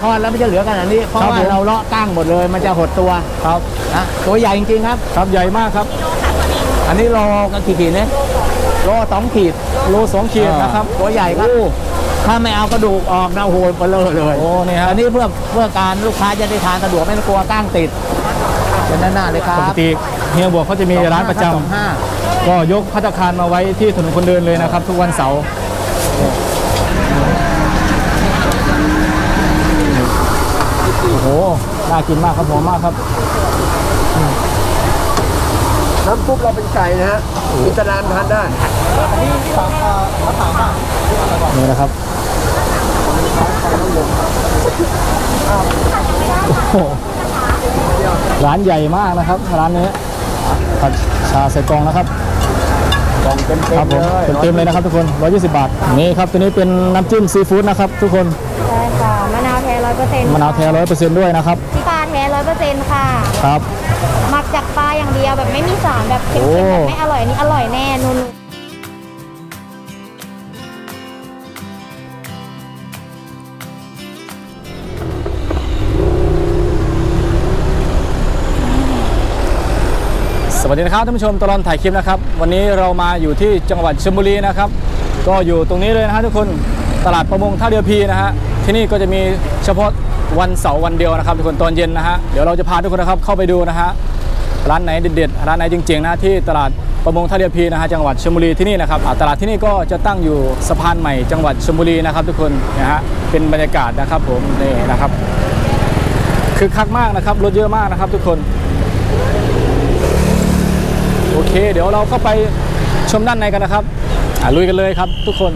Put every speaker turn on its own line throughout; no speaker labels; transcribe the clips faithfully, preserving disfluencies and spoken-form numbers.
ทอดแล้วไม่จะเหลือขนาดนี้เพราะว่าเราเลาะก้างหมดเลยมันจะหดตัวครับนะตัวใหญ่จริงๆครับครับใหญ่มากครับอันนี้โลก็กี่ขีดเนี่ยโลสองขีดโลสองขีดนะครับตัวใหญ่ครับถ้าไม่เอากระดูกออกนะโหยไปเลยเลยโอ้นี่ฮะอันนี้เพื่อเพื่อการลูกค้าจะได้ทานสะดวกไม่ต้องกลัวก้างติดเป็นหน้าเลยครับปกติเฮียบวกเขาจะมีร้านประจำก็ยกภัตตาคารมาไว้ที่ถนนคนเดินเลยนะครับทุกวันเสาร์โอ้โหน่ากินมากครับหอมมากครับ
น้ำซุปเราเป็นไก่นะฮะอิสลามทานได้
นี่นะครับร้านใหญ่มากนะครับร้านนี้ผัดชาใส่กล่องนะครับกล่องเต็มๆเลยเต็มๆเลยนะครับทุกคนร้อยยี่สิบบาทนี่ครับตัวนี้เป็นน้ำจิ้มซีฟู้ดนะครับทุกคน
ใช่ค่ะมะนาวแท้ร้อยเปอร์เซ็นต์
มะนาวแท้ร้อยเปอร์เซ็นต์ด้วยนะครับ
ที่ปลาแท้ร้อยเปอร์เซ็นต์ค่ะ
ครับ
หมักจากปลาอย่างเดียวแบบไม่มีสารแบบเค็มๆแบบไม่อร่อยนี่อร่อยแน่นุ่น
สวัสดีนะครับท่านผู้ชมตลอดถ่ายคลิปนะครับวันนี้เรามาอยู่ที่จังหวัดชลบุรีนะครับก็อยู่ตรงนี้เลยนะฮะทุกคนตลาดประมงท่าเรือพีนะฮะที่นี่ก็จะมีเฉพาะวันเสาร์วันเดียวนะครับทุกคนตอนเย็นนะฮะเดี๋ยวเราจะพาทุกคนนะครับเข้าไปดูนะฮะร้านไหนเด็ดๆร้านไหนจริงๆนะที่ตลาดประมงท่าเรือพีนะฮะจังหวัดชลบุรีที่นี่นะครับตลาดที่นี่ก็จะตั้งอยู่สะพานใหม่จังหวัดชลบุรีนะครับทุกคนนะฮะเป็นบรรยากาศนะครับผมนี่นะครับคึกคักมากนะครับรถเยอะมากนะครับทุกคนโอเคเดี๋ยวเราเข้าไปชมด้านในกันนะครับลุยกันเลยครับทุกคน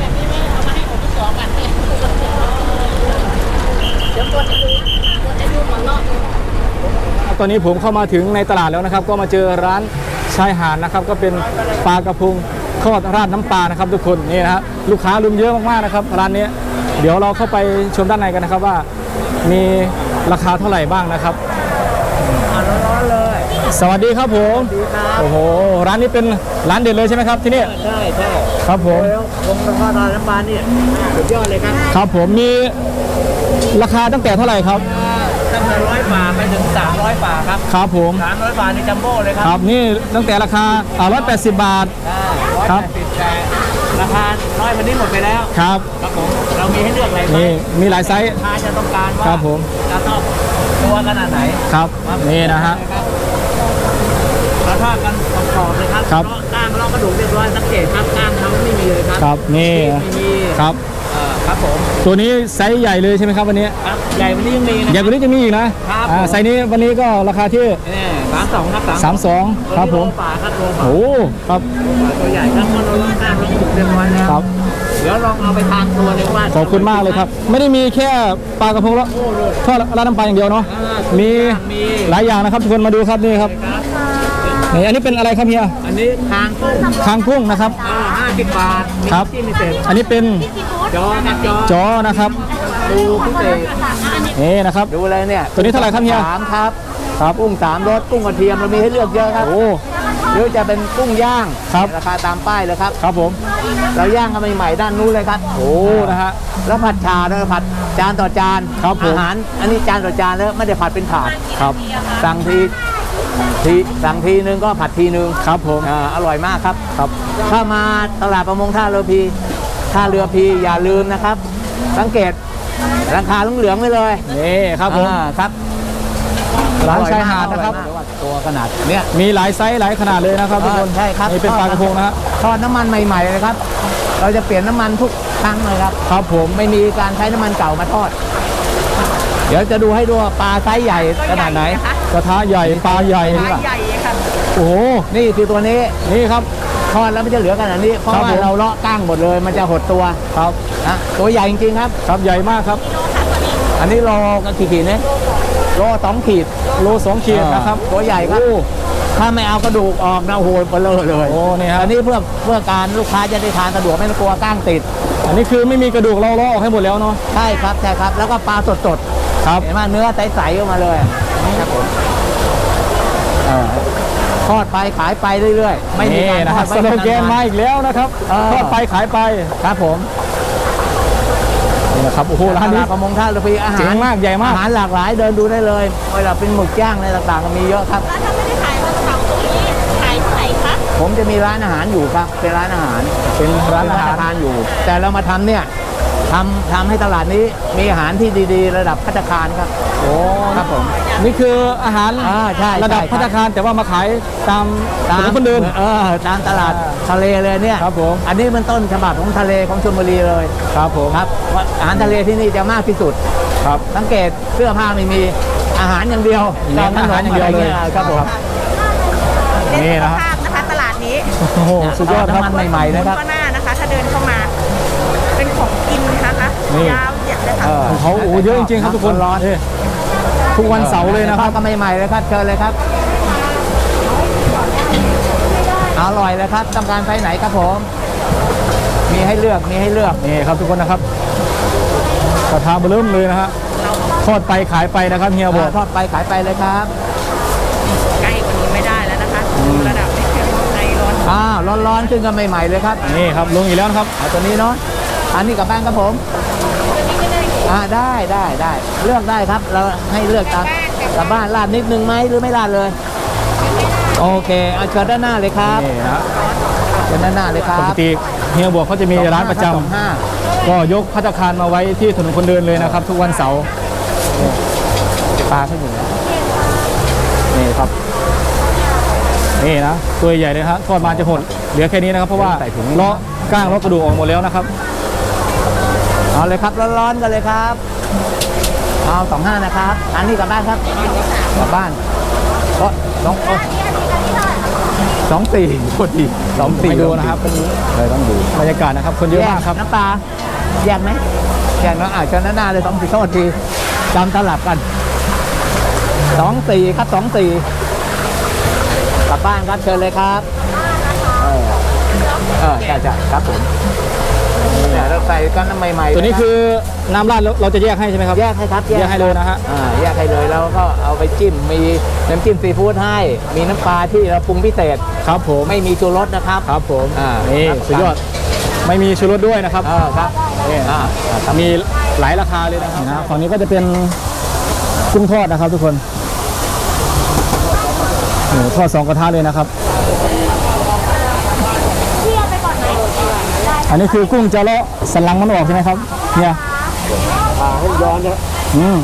ตอนนี้ผมเข้ามาถึงในตลาดแล้วนะครับก็มาเจอร้านชายหาดนะครับก็เป็นปลากระพงทอดราดน้ำปลานะครับทุกคนนี่นะฮะลูกค้ารุมเยอะมากๆนะครับร้านนี้เดี๋ยวเราเข้าไปชมด้านในกันนะครับว่ามีราคาเท่าไหร่บ้างนะครับร้อนๆเลยสวัสดีครับผมโอ้โหร้านนี้เป็นร้านเด็ดเลยใช่ไหมครับที่นี่
ใช่ใช่
ครับผม
วงราคาทานน้ำปลาเนี่ยสุดยอดเลยครับ
ครับผมมีราคาตั้งแต่เท่าไหร่ครับ
ตั้งแต่ร้อยบาทไปถึงสามร้อยบาทครับ
ครับผม
สามร้อยบาทในจัมโบ้เลยครับ
ครับนี่ตั้งแต่ราคาร้อยแปดสิบบาท
ครับแต่ราคาน้อยวันนี้หมดไปแล้ว
ครับ
ครับผมเรามีให้เลือกอะไร
นี่มีหลายไซส์
ลูกค้าจะต้องการว่า
ครับผม
จะต้องตัวขนาดไหน
ครับนี่นะฮะ
เราทอดกันกรอบเลยครับ
ครับ
ก้างเรากระดูกเรียบร้อยสังเกตครับก้างเขาไม่มีเลยครับ
ครับนี่ครับ
ครับผม
ตัวนี้ไซส์ใหญ่เลยใช่ไหมครับวันนี้
ครับใหญ่วันนี้ยังมีนะ
ใหญ่กว่านี้จะมีอีกนะครับไซส์นี้วันนี้ก็ราคาที่
สามสองครับ
สามสองครับผม
ปลาครับตัว
โอ้ครับ
ตัวใหญ่ครับมันเราก้างเรากระดูกเรียบร้อยแล้ว
ครับ
เดี๋ยวลองเอาไปทานตัวเลยว่า
ขอบคุณมากเลยครับไม่ได้มีแค่ปลากระพงแล้วทอดราดน้ำปลาอย่างเดียวเนาะมีหลายอย่างนะครับทุกคนมาดูครับนี่ครับนี่อันนี้เป็นอะไรครับเฮีย
อันนี้คางกุ้ง
คางกุ้งนะครับ
ห้าสิบบาท
ครับอันนี้เป็น
จอครับจอ
จอนะครับ
ดูพิเศษ
นี่นะครับ
ดูอะไรเนี่ย
ตัวนี้เท่าไหร่ครับเฮีย
สามครับครับกุ้งสามรสกุ้งกระเทียมเรามีให้เลือกเยอะครับ
โอ้
หรือจะเป็นกุ้งย่าง
ครับ
ราคาตามป้ายเลยครับ
ครับผม
เราย่างกันใหม่ๆด้านนู้นเลยครับ
โอ้นะฮะ
แล้วผัดชาด้วยผัดจานต่อจาน
ครับผม
อาหารอันนี้จานต่อจานแล้วไม่ได้ผัดเป็นถาด
ครับ
สั่งทีทีสั่งทีนึงก็ผัดทีนึง
ครับผม
อ่าอร่อยมากครับครับถ้ามาตลาดประมงท่าเรือพีท่าเรือพีอย่าลืมนะครับสังเกตราคาเหลืองๆไว้เลย
นี่ครับผม
ครับ
ร้านชายหาดนะครับ
ตัวขนาดเนี้ย
มีหลายไซส์หลายขนาดเลยนะครับทุกคน
ใช่ครับ
นี่เป็นปลากระพงนะฮะ
ทอดน้ำมันใหม่ๆเลยครับเราจะเปลี่ยนน้ำมันทุกครั้งเลยครับ
ครับผม
ไม่มีการใช้น้ำมันเก่ามาทอดเดี๋ยวจะดูให้ดูปลาไซส์ใหญ่ขนาดไหน
กระทะใหญ่ปลาใหญ่นี่ใหญ่
ค่ะ
โอ้โห
นี่คือตัวนี้
นี่ครับ
ทอดแล้วไม่จะเหลือขนาดนี้เพราะว่าเราเลาะก้างหมดเลยมันจะหดตัว
ครับ
นะตัวใหญ่จริงๆครับ
ครับใหญ่มากครับ
อันนี้โลก็กี่ขีดเนี่ยโลสองขีด
โลสองขีดนะครับ
ตัวใหญ่ครับถ้าไม่เอากระดูกออกนะโหยไปเลยเลย
โอ้นี่ครับ
อันนี้เพื่อเพื่อการลูกค้าจะได้ทานสะดวกไม่ต้องกลัวก้างติด
อันนี้คือไม่มีกระดูกเราเลาะออกให้หมดแล้วเนาะ
ใช่ครับใช่ครับแล้วก็ปลาสดๆ
ครับ
เห็นไหมเนื้อใสๆออกมาเลยนี่ครับผมทอดไปขายไปเรื่อยๆไม่มีการทอด
สโลแกนมาอีกแล้วนะครับทอดไปขายไป
ครับผม
นนี่นะครับโอ้โหร้าน
ต
นี้
ลาดประมงท่าเรือพีอาหาร
เจ๋งมากใหญ่มาก
อาหารหลากหลายเดินดูได้เลยเวลาเป็นหมึกย่างอะไรต่างๆก็มีเยอะครับ
แล้วถ้าไม่ได้ขายวันเสาร์ตรงนี้ขายที่ไหนคะ
ผมจะมีร้านอาหารอยู่ครับเป็นร้านอาหาร
เป็นร้านอาหาร
เป็นทานอยู่ แต่เรามาทำเนี่ยทำทำให้ตลาดนี้มีอาหารที่ดีๆ ระดับภัตตาคารครับ
โอ้
ครับผม
นี่คืออาหาร
อ่าใช่
ระดับ
ใช่
ภัตตาคารแต่ว่ามาขายตามถนนคนเดิน
เออตามตลาดทะเลเลยเนี่ย
ครับผม
อันนี้มันต้นฉบับของทะเลของชลบุรีเลย
ครับผม
ครับว่าอาหารทะเลที่นี่จะมากที่สุด
ครับ
สังเกตเสื้อผ้าไม่มีอาหารอย่างเดียว
เน้นอาหารอย่างเดียวเลย
ะไรครับผม
นี่นะฮะ
ภาพนะคะตลาดนี้
โอ้โหสุดยอดครับ
น้ำมันใหม่ๆนะครับ
ก็หน้านะคะ ถ้าเดินเข้ามา เป็นของกินนะคะ
นี่
ยาวเหยียดเลยค่ะ
เออ
ของเขาโอ้โหเยอะจริงๆครับทุกคน
ร้อน
นี่ทุกวันเสาร์เลยนะครับ
ก็ใหม่ๆเลยครับเชิญเลยครับอร่อยเลยครับต้องการไซส์ไหนครับผม มีให้เลือกมีให้เลือก
นี่ครับทุกคนนะครับกระทะเบอร์เริ่มเลยนะฮะทอดไปขายไปนะครับเฮียบอก
ทอดไปขายไปเลยครับ
ใกล้กว่านี้ไม่ได้แล้วนะคะ ระดับนี้คือในร้อน
อ้าวร้อนๆขึ้นกันใหม่ๆเลยครับ
นี่ครับลงอีกแล้วนะครับ
เอาตัวนี้เนาะอันนี้กลับบ้านครับผมอ่าได้ได้ได้เลือกได้ครับ เราให้เลือกตามกลับบ้านราดนิดนึงไหมหรือไม่ราดเลย โอเคเอาเชิญด้านหน้าเลยครับ
นี่นะ
เชิญด้านหน้าเลยครั
ป
บ
กติเฮียบอกเขาจะมีร้านประจำ
สองห้า
ก็ยกภัตตาคารมาไว้ที่ถนนคนเดินเลยนะครับ ทุกวันเสาร์
ปลาขึ้นอยู่
นี่ครับนี่นะตัวใหญ่เลยครับทอดมาจะหดเหลือแค่นี้นะครับเพราะว่าเลาะก้างเลาะกระดูกออกหมดแล้วนะครับ
เอาเลยครับร้อนๆกันเลยครับเอาสองห้านะครับอันนี้กลับบ้านครับกลับบ้านโอ้สองโอ้สองสี่โทษทีสองสี่
ไปดูนะครับ
เลยต้องดู
บรรยากาศนะครับ คนเยอะมากครับ
น้ำปลาแยกไหมแยกเนาะอ่าเชิญด้านหน้าเลยสองสี่โทษทีจำตลับกันสองสี่ครับสองสี่กลับบ้านครับเชิญเลยครับเออเออใช่ใช่ครับผมเนี่ยเราใส่กันน้ำใหม่ๆ
ตัวนี้คือน้ำราดเราเราจะแยกให้ใช่ไหมครับ
แยกให้ครับ
แยกให้เลยนะฮะ
อ่าแยกให้เลยแล้วก็เอาไปจิ้มมีน้ำจิ้มซีฟู้ดให้มีน้ำปลาที่เราปรุงพิเศษ
ครับผม
ไม่มีชูรสนะครับ
ครับผม
อ่า
นี่
ครับ
สุดยอดไม่มีชูรสด้วยนะครับ
เออครับนี่อ่าครับ
มีหลายราคาเลยนะครับนะฝั่งนี้ก็จะเป็นกุ้งทอดนะครับทุกคนนี่ทอดสองกระทะเลยนะครับ
พี่เอาไปก่อนไหมได้
อันนี้คือกุ้งจะเลาะสันหลังมันออกใช่ไหมครับเนี่ย
ให้ย้อนนะ
อืม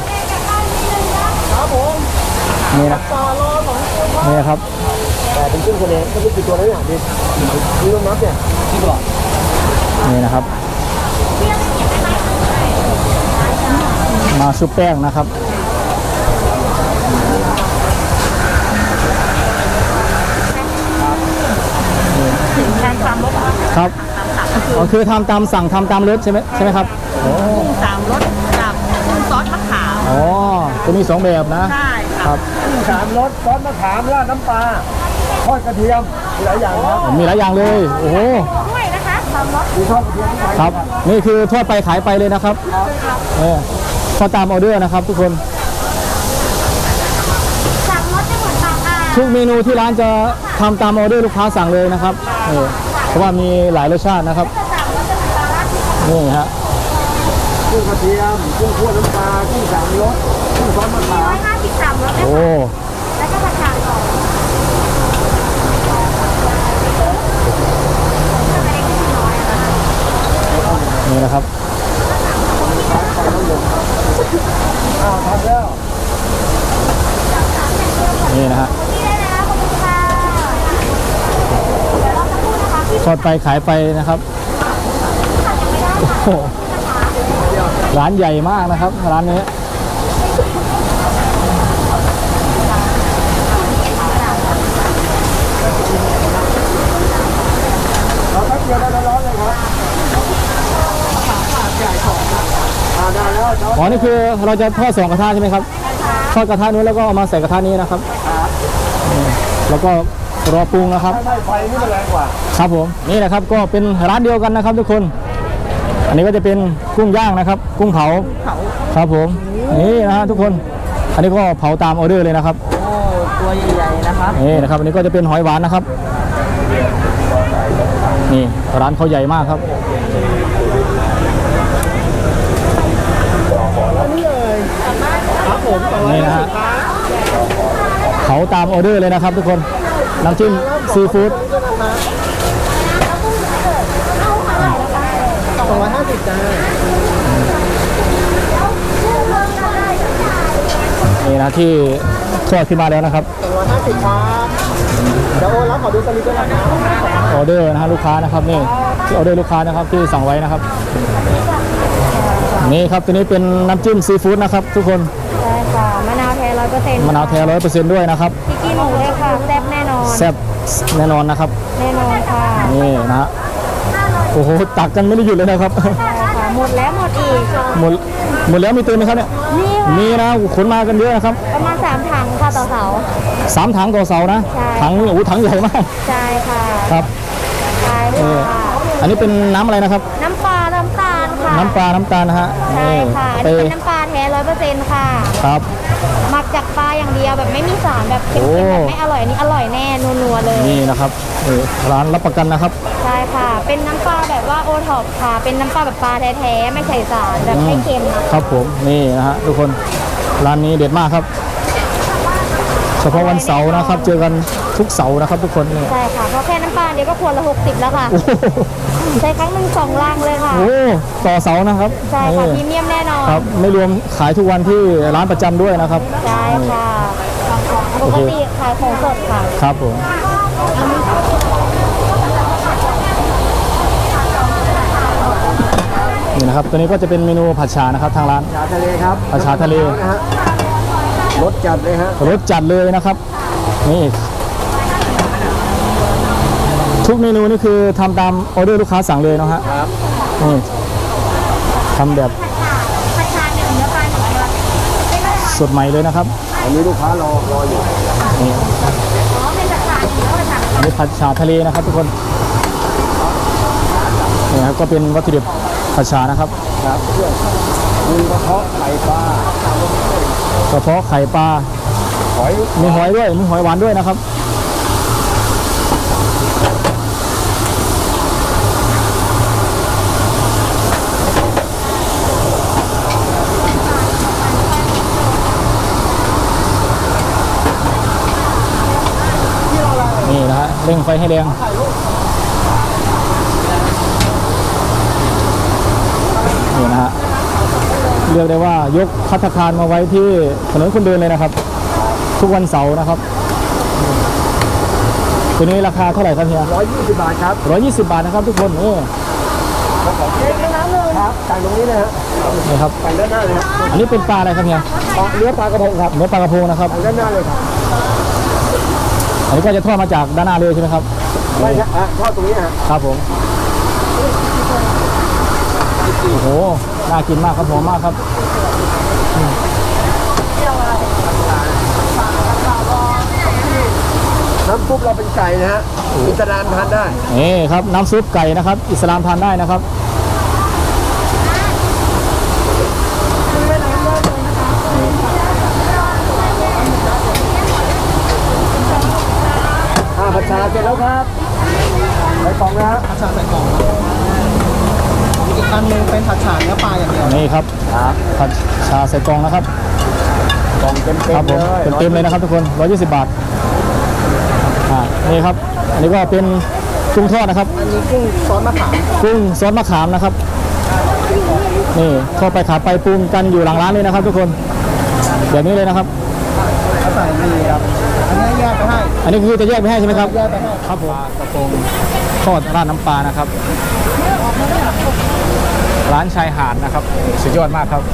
นี่นะนี่ครับ
แต่เป็นกุ้งทะเลก็ไม่กี่ตัวแล้วอย่างดีนี่ต้องนับเนี่ยที่บอก
นี่นะครับ มาชุบแป้งนะครับ
ทานความรส
ครับอ๋อคือทำตามสั่งทำตามรสใช่ไหมใช่ไหมครับโอ้
กุ้งสามรสกับกุ้งซอสมะขาม
อ๋อจะมีสองแบบนะ
ใช่
ค
ค่ะ
รับ
สามรสซอสมะขามราดน้ำปลาทอดกระเทียมหลายอย่างครับ
มีหลายอย่างเลยโอ้โห
ด้วยนะคะสามรส
มีทอดกระเทียมที่
ครับนี่คือทอดไปขายไปเลยนะครับเออทอดตามออเดอร์นะครับ ทุกคน
สามรสจะเหมือนตามอ่า
ทุกเมนูที่ร้านจะทำตามออเดอร์ลูกค้าสั่งเลยนะครับเออเพราะว่ามีหลายรสชาตินะครับ
สามรสจะเป็นปลาราดที่
นี่ฮะ
กุ้งกระเทียมกุ้งคั่วน้ำปลากุ้งสามรสกุ้งซอสมะขาม
ร้อยห้าสิบสามรสนะ
โอ้
แล้วก็ผัดฉ่าก่อน
นี่นะครับ
อ้าวทำแล้ว
นี่นะฮะ
นี่เลยนะขอบคุณค่ะเดี๋ยวเราจะพูดนะคะที่
ทอดไปขายไปนะครับโอ้โหร้านใหญ่มากนะครับร้านนี้
เราแป๊บเดียวได้ร้อนเลยครับอ่าได้แล้วเนาะ
อ๋อนี่คือเราจะทอดสองกระทะใช่ไหมครับทอดกระทะนู้นแล้วก็เอามาใส่กระทะนี้นะครับนี่แล้วก็รอปรุงนะครับ
ไม่ไฟนี่มันแรงกว่า
ครับผมนี่นะครับก็เป็นร้านเดียวกันนะครับทุกคน อันนี้ก็จะเป็นกุ้งย่างนะครับ กุ้งเผาครับผมนี่นะฮะทุกคน อันนี้ก็เผาตามออเดอร์เลยนะครับ
โอ้ตัวใหญ่ๆนะครับ
นี่นะครับอันนี้ก็จะเป็นหอยหวานนะครับนี่ร้านเขาใหญ่มากครับเผาตามออเดอร์เลยนะครับทุกคนน้ำจิ้มซีฟู้ด
สองร้อยห้าสิบจ้า
นี่นะที่ทอดขึ้นมาแล้วนะครับ
สองร้อยห้าสิบครับเดี๋ยวโอนแล้วขอดูสลิปด้วยนะครับ
ออเดอร์นะฮะลูกค้านะครับนี่ที่ออเดอร์ลูกค้านะครับที่สั่งไว้นะครับนี่ครับตัวนี้เป็นน้ำจิ้มซีฟู้ดนะครับทุกคน
ใช่ค่ะมะนาวแท้ร้อยเปอร์เซ็นต์
มะนาวแท้ร้อยเปอร์เซ็นต์ด้วยนะครับ
พริกขี้หนูเลยค่ะแซ่บแน่นอน
แซ่บแน่นอนนะครับ
แน่นอนค่ะ
นี่นะฮะโอ้โหตักกันไม่ได้หยุดเลยนะครับ
ใช่ค่ะหมดแล้วหมดอีก
หมดหมดแล้วมีเติมไหมครับเนี่ย
นี่ค่ะ
มีนะขนมากันเยอะนะครับ
ประมาณสามถังค่ะต่อเสา
สามถังต่อเสานะ
ใช่
ถังโอ้โหถังใหญ่มาก
ใช่ค่ะ
ครับ
ใช่
เออ
ค่ะ
อันนี้เป็นน้ำอะไรนะครับ
น้ำปลาน้ำตาลค่ะ
น้ำปลาน้ำตาลนะฮะ
ใช่ค่ะอัน
ไป
นี้เป็นน้ำปลาแท้ร้อยเปอร์เซ็นต์ค่ะ
ครับ
หมักจากปลาอย่างเดียวแบบไม่มีสารแบบเค็ม
โอ้
ๆแบบไม่อร่อยอันนี้อร่อยแน่นัวๆเลย
นี่นะครับนี่ร้านรับประกันนะครับ
ใช่ค่ะ เป็นน้ำปลาแบบว่าโอท็อปค่ะ เป็นน้ำปลาแบบปลาแท้ๆไม่ใส่สารแบบไม่เค็มนะครับ
ผมนี่นะฮะทุกคนร้านนี้เด็ดมากครับ เฉพาะวันเสาร์นะครับ เจอกันทุกเสาร์นะครับ ทุกคนนี่
ใช่ค่ะเพราะแค่น้ำปลาเดียวก็ขวดละหกสิบแล้วค่ะ
โอ้โห
ใช้ครั้งหนึ่งสองลังเลยค่ะ
โอ้ต่อเสานะครับ
ใช่ค่ะพรี
นี่
เมียมแน่นอน
ครับไม่รวมขายทุกวันที่ร้านประจำด้วยนะครับ
ใช่ค่ะปกติขายของสดค่ะ
ครับผมนี่นะครับตัวนี้ก็จะเป็นเมนูผัดฉ่านะครับทางร้าน
ชาทะเลครับ
ผัดฉ่าทะเล
นะฮะรสจัดเลยฮะ
รสจัดเลยนะครับนี่ทุกเมนูนี่คือทำตามออเดอร์ลูกค้าสั่งเลยเนาะฮะ
ครับ
นี่ทำแบบสดใหม่เลยนะครับ
อันนี้ลูกค้ารอรออยู่
นี่อันนี้ผัดฉ่าทะเลนะครับทุกคนนี่ครับก็เป็นวัตถุดิบผัดฉ่านะครับ
ครับเพื่อนมีกระเพาะไข่ปลาก
ระเพาะไข่ปลา
หอย
มีหอยด้วยมีหอยหวานด้วยนะครับนี่นะฮะเร่งไฟให้แรงนี่นะฮะเรียกได้ว่ายกภัตตาคารมาไว้ที่ถนนคนเดินเลยนะครับ ทุกวันเสาร์นะครับตัวนี้ราคาเท่าไหร่ครับเฮีย
ร้อยยี่สิบบาทครับ
ร้อยยี่สิบบาทนะครับทุกคนนี่
ครับสั่งตรงนี้เลยฮะ
นี่ครับ
สั่งด้านหน้าเลยครับ
อันนี้เป็นปลาอะไรครับเฮีย
ปลาเนื้อปลากระพงครับ
เนื้อปลากระพงนะครับ
สั่งด้านหน้าเลยครับ
อันนี้ก็จะทอดมาจากด้านหน้าเลยใช่ไหมครับ
ไม่ใช่อ่ะทอดตรงนี้ฮะ
ครับผมโอ้โหน่ากินมากครับหอมมากครับ
น้ำซุปเราเป็นไก่นะฮะอิสลามทานได้
นี่ครับน้ำซุปไก่นะครับ อิสลามทานได้นะครับ
อ่าผัดชาเสร็จแล้วครับใส่กล่องนะฮะผัดชาใส่กล่องอีกอันหนึงเป็นผัดชาเนื้อปลาอย่างเดียว
นี่ครับผัดชาใส่กล่องนะครับ
กล่องเต็ม
ครับ
ๆ
ผ
เล
ม
ย
เต็มๆเลยนะครับทุกคนร้อยยี่สิบบาทอ่านี่ครับอันนี้ก็เป็นกุ้งทอดนะครับ
อันนี้กุ้งซอสมะขาม
กุ้งซอสมะขามนะครับนี่เข้าไปขาไปปรุงกันอยู่หลังร้านเลยนะครับ ทุกคนแบบนี้เลยนะครับ
เขาใส่นี่ครับอันนี้แยกไปให้
อันนี้คือจะแยกไปให้ใช่ไหมครับ
แยกไปให้
ครับผมกระโปรงทอดราดน้ำปลานะครับ ร้านชายหาดนะครับสุดยอดมากครับ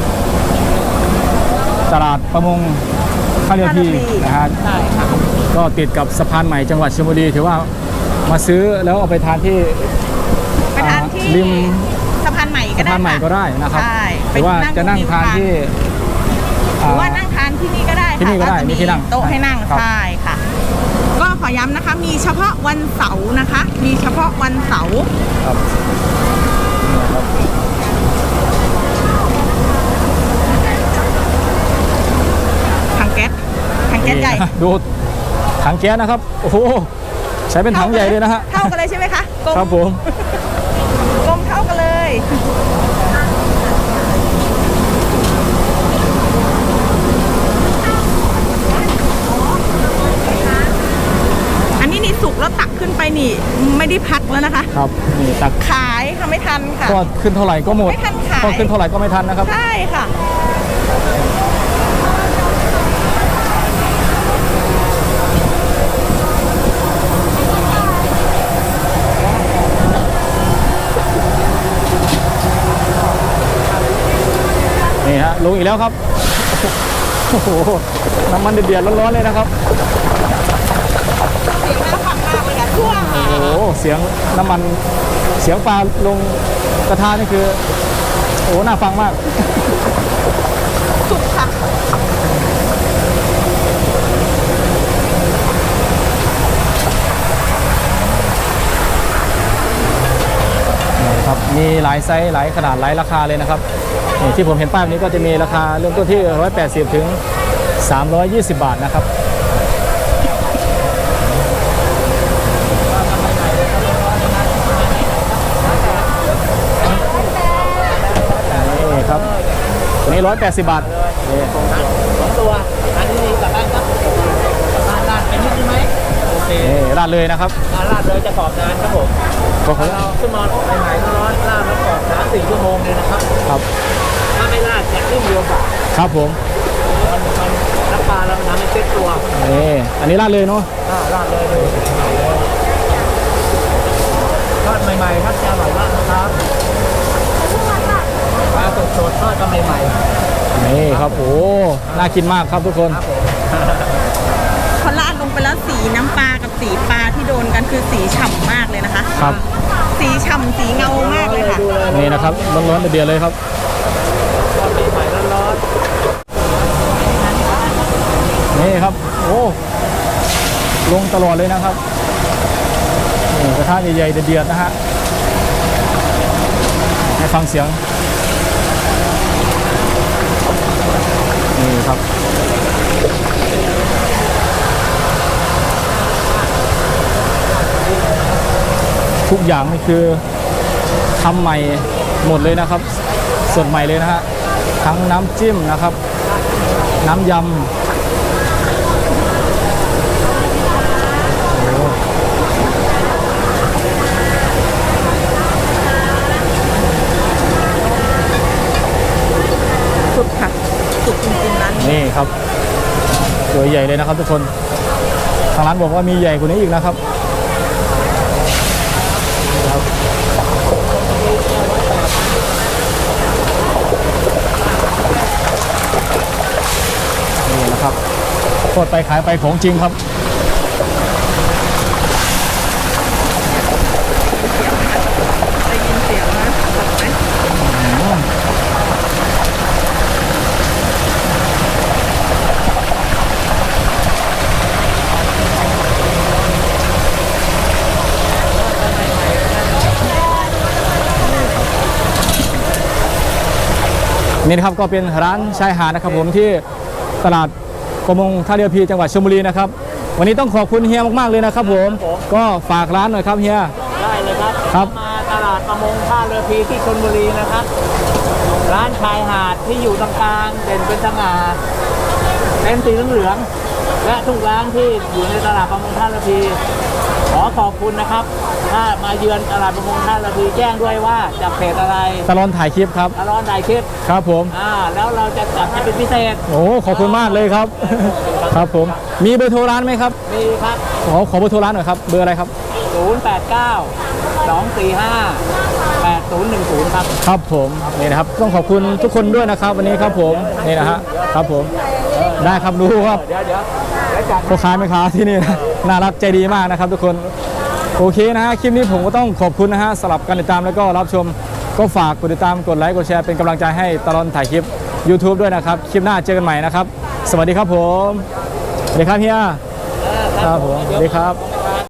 ตลาดประมงท่าเรือพีนะฮะก็ติดกับสะพานใหม่จังหวัดชลบุรีถือว่ามาซื้อแล้วเอาไปทานที่
ไปทานที่
ริม
สะพานใหม่ก็
สะ
ได้
พานใหม่ก็
ค่ะ
ได้นะครับ
ใช่
หรือว่าจะนั่งทานที่
หรือว่านั่งทานที่นี่ก็ได้
ที่นี่ก็ได้
ค่ะ
มีที่นั่ง
โต๊ะให้นั่ง
ครับ
ใช่ค่ะ ก็ขอย้ำนะคะ มีเฉพาะวันเสาร์นะคะ มีเฉพาะวันเสาร์
ครับ
ถังแก๊สถังแก๊สใหญ่
นี่ดูถังแก๊สนะครับโอ้โหใช้เป็นถังใหญ่เลยนะฮะ
เท่ากันเลยใช่ไหมคะกลม
ครับผม
กลมเท่ากันเลย
น
พักแล้วนะคะ
ครับนี่ตัก
ขายค่ะไม่ทันค่ะ
ก็ขึ้นเท่าไหร่ก็หมด
ไม่ทันขาย
ก็ขึ้นเท่าไหร่ก็ไม่ทันนะครับ
ใช่ค่ะ
นี่ฮะลงอีกแล้วครับโอ้โหน้ำมันเดือดๆร้อนๆเลยนะครับ
เสียงน่าฟังมากเลยค่ะช่วง
โอ้โหเสียงน้ำมันเสียงปลาลงกระทะนี่คือโอ้โหน่าฟังมาก
สุกค่ะ
ครับมีหลายไซส์หลายขนาดหลายราคาเลยนะครับนี่ที่ผมเห็นป้ายแบบนี้ก็จะมีราคาเริ่มต้นที่หนึ่งร้อยแปดสิบถึงสามร้อยยี่สิบบาทนะครับนี่ครับตัวนี้หนึ่งร้อยแปดสิบบาทนี่
สองตัวอันนี้กลับบ้านครับกลับบ้านลาดเป็นนิดนึงไหมโอเค
นี่ราดเลยนะครับ
ลาดลาดเลยจะกรอบนานครับผม
ก็ขอ
เราขึ้นมาใหม่ๆร้อนๆลาดแล้วกรอบสามสี่ชั่วโมงเลยนะครับ
ครับ
ถ้าไม่ลาดจะขึ้นเร็วกว่า
ครับผม
มันมันน้ำปลาเราทำให้เซ็ตตัว
นี่อันนี้ราดเลยเนาะ
อ่าลาดเลยเลยทอดใหม่ๆครับจะอร่อยมากนะครับปลาสดๆทอดก็ใหม่ๆ
นี่ครับโอ้น่ากินมากครับทุกคน
พอราดลงไปแล้วสีน้ำปลากับสีปลาที่โดนกันคือสีฉ่ำมากเลยนะคะ
ครับ
สีฉ่ำสีเงามากเลยค่ะ
นี่นะครับร้อนๆเดือดๆเลยครับ
ทอดใหม่ๆร้อน
นี่ครับโอ้ลงตลอดเลยนะครับนี่กระทะใหญ่ๆเดือดๆนะฮะให้ฟังเสียงนี่ครับทุกอย่างนี่คือทำใหม่หมดเลยนะครับสดใหม่เลยนะฮะทั้งน้ำจิ้มนะครับ น้ำยำ
สุดค่ะ สุดจริงๆร้านนี้
นี่ครับตัวใหญ่เลยนะครับทุกคนทางร้านบอกว่ามีใหญ่กว่านี้อีกนะครับครับนี่นะครับโคตรไปขายไปของจริงครับ
ได้ยินเสียงนะสดไหม
นี่นะครับก็เป็นร้านชายหาดนะครับผมที่ตลาดประมงท่าเรือพีจังหวัดชลบุรีนะครับวันนี้ต้องขอบคุณเฮียมากๆเลยนะครับผมก็ฝากร้านหน่อยครับเฮีย
ๆได้เลยครับ
ครับ
มาตลาดประมงท่าเรือพีที่ชลบุรีนะครับ ร้านชายหาดที่อยู่ตรงกลางเด่นเป็นสง่าเป็นสีเหลืองๆและทุกร้านที่อยู่ในตลาดประมงท่าเรือพีขอขอบคุณนะครับ ถ้ามาเยือนตลาดประมงท่าเรือพีแจ้งด้วยว่าจากเพจอะไร
ตลอดถ่ายคลิปครับ
ตลอดได้คลิป
ครับผม
อ่าแล้วเราจะจัดให้เป็นพิเศษ
โอ้ขอบคุณมากเลยครับ ครับผมมีเบอร์โทรร้านไหมครับ
มีครับ
ขอขอเบอร์โทรร้านหน่อยครับเบอร์อะไรครับ
ศูนย์ แปด เก้า สอง สี่ ห้า แปด ศูนย์ หนึ่ง ศูนย์ครับ
ครับผมนี่นะครับต้องขอบคุณทุกคนด้วยนะครับ วันนี้ครับผมนี่นะฮะครับผมได้ครับรู้ครับ
เดี๋ยวเดี๋ยวเดี๋ยวจัด
พ่อค้าแม่ค้าที่นี่นะน่ารักใจดีมากนะครับ ทุกคนโอเคนะฮะคลิปนี้ผมก็ต้องขอบคุณนะฮะสำหรับการติดตามแล้วก็รับชมก็ฝากกดติดตามกดไลค์กดแชร์เป็นกำลังใจให้ตลอดถ่ายคลิป YouTube ด้วยนะครับคลิปหน้าเจอกันใหม่นะครับ สวัสดีครับผมสวัสดีครับเฮียครับผมสวัสดีครับ